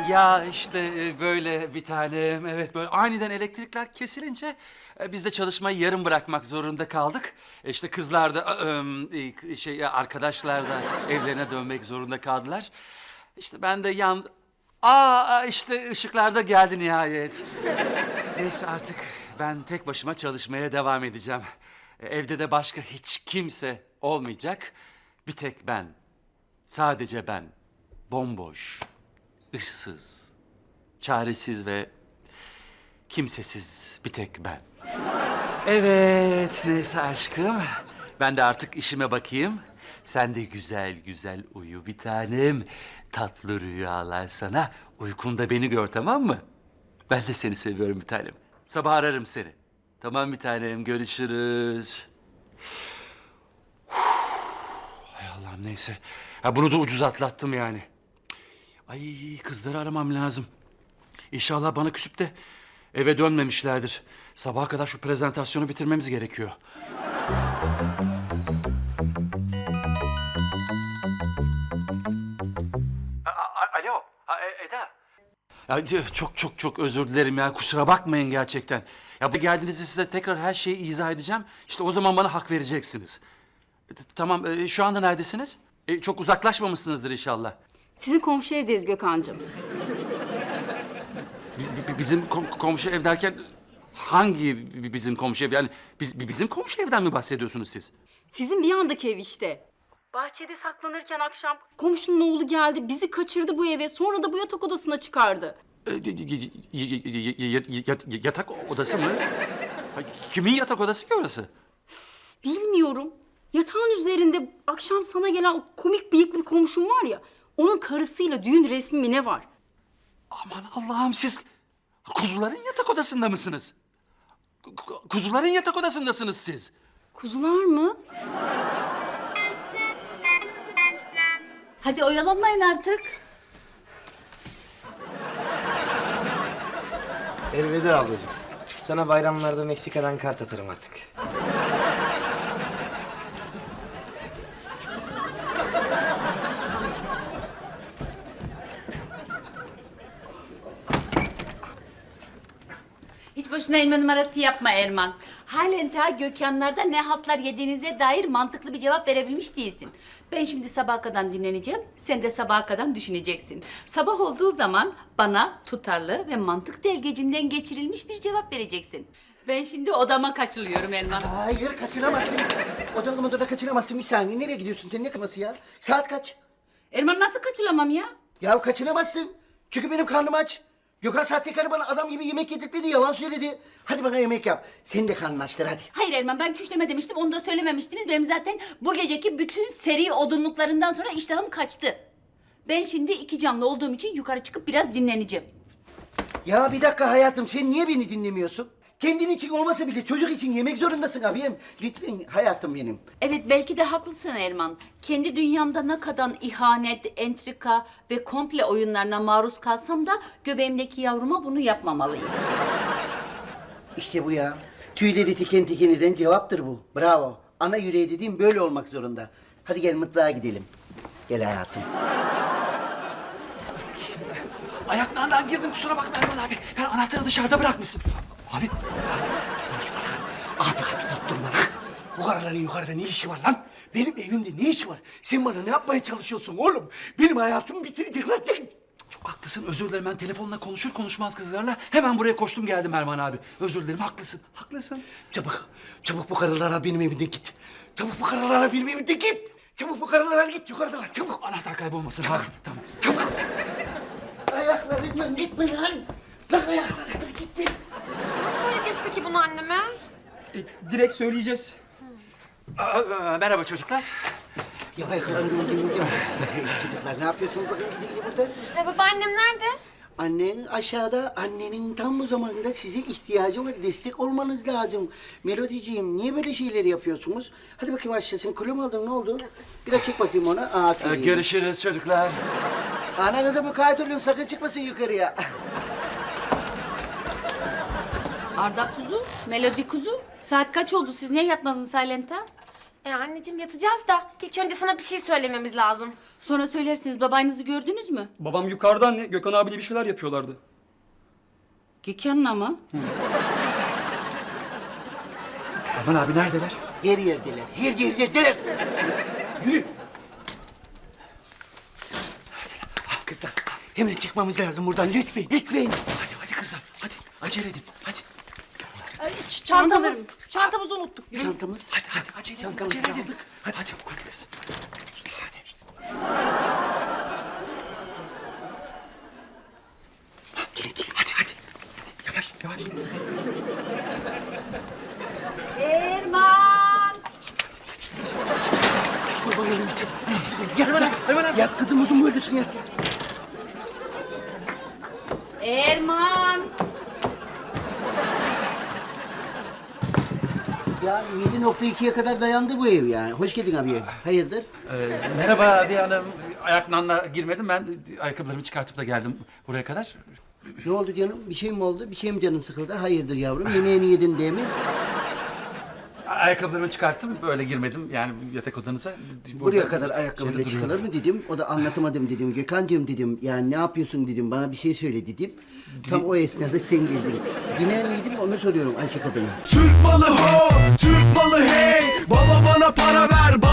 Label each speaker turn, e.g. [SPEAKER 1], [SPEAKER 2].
[SPEAKER 1] Ya işte böyle bir tanem. Evet böyle aniden elektrikler kesilince biz de çalışmayı yarım bırakmak zorunda kaldık. İşte kızlar da arkadaşlar da evlerine dönmek zorunda kaldılar. İşte ben de işte ışıklar da geldi nihayet. Neyse artık ben tek başıma çalışmaya devam edeceğim. Evde de başka hiç kimse olmayacak. Bir tek ben. Sadece ben. Bomboş, ıssız, çaresiz ve kimsesiz bir tek ben. Evet, neyse aşkım. Ben de artık işime bakayım. Sen de güzel güzel uyu bir tanem. Tatlı rüyalar sana. Uykunda beni gör, tamam mı? Ben de seni seviyorum bir tanem. Sabah ararım seni. Tamam bir tanem, görüşürüz. Hay Allah'ım neyse. Ha, bunu da ucuz atlattım yani. Ay kızları aramam lazım. İnşallah bana küsüp de eve dönmemişlerdir. Sabaha kadar şu prezentasyonu bitirmemiz gerekiyor. Alo, Eda. Ya çok özür dilerim ya. Kusura bakmayın gerçekten. Ya bu geldiğinizde size tekrar her şeyi izah edeceğim. İşte o zaman bana hak vereceksiniz. Tamam, şu anda neredesiniz? Çok uzaklaşmamışsınızdır inşallah.
[SPEAKER 2] Sizin komşu evdeyiz Gökhan'cığım.
[SPEAKER 1] Bizim komşu ev derken hangi bizim komşu ev? Yani bizim komşu evden mi bahsediyorsunuz siz?
[SPEAKER 2] Sizin bir yandaki ev işte. Bahçede saklanırken akşam komşunun oğlu geldi, bizi kaçırdı bu eve. Sonra da bu yatak odasına çıkardı.
[SPEAKER 1] Yatak odası mı? Kimin yatak odası ki orası?
[SPEAKER 2] Bilmiyorum. Yatağın üzerinde akşam sana gelen o komik bıyıklı komşum var ya... ...onun karısıyla düğün resmi mi ne var?
[SPEAKER 1] Aman Allah'ım, siz kuzuların yatak odasında mısınız? Kuzuların yatak odasındasınız siz.
[SPEAKER 2] Kuzular mı? Hadi oyalanmayın artık.
[SPEAKER 3] Elveda ablacığım. Sana bayramlarda Meksika'dan kart atarım artık.
[SPEAKER 4] Hiç boşuna elma numarası yapma Erman. Halen ta Gökhanlar'da ne haltlar yediğinize dair mantıklı bir cevap verebilmiş değilsin. Ben şimdi sabaha kadar dinleneceğim, sen de sabaha kadar düşüneceksin. Sabah olduğu zaman bana tutarlı ve mantık delgecinden geçirilmiş bir cevap vereceksin. Ben şimdi odama kaçılıyorum Erman.
[SPEAKER 3] Hayır, kaçıramazsın. Odada kaçıramazsın. Bir saniye, nereye gidiyorsun? Sen ne kaması ya? Saat kaç?
[SPEAKER 4] Erman nasıl kaçılamam ya?
[SPEAKER 3] Ya kaçıramazsın. Çünkü benim karnım aç. Gökhan sahtekarı bana adam gibi yemek yedirtmedi, yalan söyledi. Hadi bana yemek yap. Senin de karnın açtır hadi.
[SPEAKER 4] Hayır Erman, ben küşleme demiştim, onu da söylememiştiniz. Benim zaten bu geceki bütün seri odunluklarından sonra iştahım kaçtı. Ben şimdi iki canlı olduğum için yukarı çıkıp biraz dinleneceğim.
[SPEAKER 3] Ya bir dakika hayatım, sen niye beni dinlemiyorsun? Kendin için olmasa bile çocuk için yemek zorundasın abim. Lütfen hayatım benim.
[SPEAKER 4] Evet, belki de haklısın Erman. Kendi dünyamda ne kadar ihanet, entrika ve komple oyunlarına maruz kalsam da göbeğimdeki yavruma bunu yapmamalıyım.
[SPEAKER 3] İşte bu ya. Tüyleri diken diken eden cevaptır bu. Bravo. Ana yüreği dediğim böyle olmak zorunda. Hadi gel mutfağa gidelim. Gel hayatım.
[SPEAKER 1] Ayaklarından girdim, kusura bakma Erman abi. Yani anahtarı dışarıda bırakmışsın. Abi.
[SPEAKER 3] Abi deyip durma lan. Bu karıların yukarıda ne işi var lan? Benim evimde ne işi var? Sen bana ne yapmaya çalışıyorsun oğlum? Benim hayatımı bitirecek lan sen.
[SPEAKER 1] Çok haklısın, özür dilerim. Ben telefonla konuşur konuşmaz kızlarla hemen buraya koştum geldim Erman abi. Özür dilerim, haklısın.
[SPEAKER 3] Çabuk bu karılara benim evimden git. Çabuk bu karılara benim evimden git. Çabuk bu karılara git yukarıdalar çabuk.
[SPEAKER 1] Anahtar kaybolmasın
[SPEAKER 3] Çabuk.
[SPEAKER 1] abi. Tamam.
[SPEAKER 3] Çabuk. Ayaklarından gitme lan. Lan ayaklarından gitme.
[SPEAKER 5] Nasıl söyleyeceğiz peki bunu anneme?
[SPEAKER 6] Direkt söyleyeceğiz.
[SPEAKER 1] Merhaba çocuklar.
[SPEAKER 3] Ya ayaklarından gitme. Çocuklar ne yapıyorsunuz bakın gece burada?
[SPEAKER 5] Babaannem nerede?
[SPEAKER 3] Annen aşağıda, annenin tam bu zamanda size ihtiyacı var. Destek olmanız lazım. Melodiciğim, niye böyle şeyleri yapıyorsunuz? Hadi bakayım aşağısın. Kilo mu aldın, ne oldu? Biraz çek bakayım ona. Aferin.
[SPEAKER 1] Görüşürüz çocuklar.
[SPEAKER 3] Ananıza mukayyet olun, sakın çıkmasın yukarıya.
[SPEAKER 4] Arda kuzu, Melodi kuzu. Saat kaç oldu, siz niye yatmadınız Silent'a?
[SPEAKER 5] Anneciğim yatacağız da ilk önce sana bir şey söylememiz lazım.
[SPEAKER 4] Sonra söylersiniz, babanızı gördünüz mü?
[SPEAKER 6] Babam yukarıda anne. Gökhan abiyle bir şeyler yapıyorlardı.
[SPEAKER 4] Gökhan'la mı?
[SPEAKER 1] Aman abi neredeler?
[SPEAKER 3] Her yerdeler, her yerdeler. Yürü. Kızlar, hemen çıkmamız lazım buradan lütfen, lütfen.
[SPEAKER 1] Hadi kızlar hadi acele edin hadi.
[SPEAKER 5] Çantamızı unuttuk.
[SPEAKER 3] Çantamız.
[SPEAKER 1] Hadi acele edin.
[SPEAKER 3] Çantamızı
[SPEAKER 1] Acele edin.
[SPEAKER 3] aldık.
[SPEAKER 1] Hadi kız. Bir saniye.
[SPEAKER 3] Gelin, gelin.
[SPEAKER 1] Hadi. Yavaş.
[SPEAKER 4] Erman!
[SPEAKER 3] Kurban olayım için. Yat, yat kızım uzun boylusun yat.
[SPEAKER 4] Erman!
[SPEAKER 3] Ya 7.2'ye kadar dayandı bu ev yani. Hoş geldin abi. Hayırdır?
[SPEAKER 1] Merhaba abi hanım. Ayaklanla girmedim ben. Ayakkabılarımı çıkartıp da geldim buraya kadar.
[SPEAKER 3] Ne oldu canım? Bir şey mi oldu? Bir şey mi canın sıkıldı? Hayırdır yavrum? Yemeğini yedin değil mi?
[SPEAKER 1] Ayakkabılarımı çıkarttım böyle girmedim yani yatak odanıza.
[SPEAKER 3] Buraya
[SPEAKER 1] Burada
[SPEAKER 3] kadar ayakkabıyla
[SPEAKER 1] şeyde
[SPEAKER 3] çıkılır
[SPEAKER 1] duruyorum.
[SPEAKER 3] mı dedim. O da anlatamadım dedim. Gökhan'cığım dedim. Yani ne yapıyorsun dedim. Bana bir şey söyle dedim. Tam o esnada sen geldin. Yemeğini yedim onu soruyorum Ayşe kadına.
[SPEAKER 7] Türk malı ho, Türk malı hey. Baba bana para ver,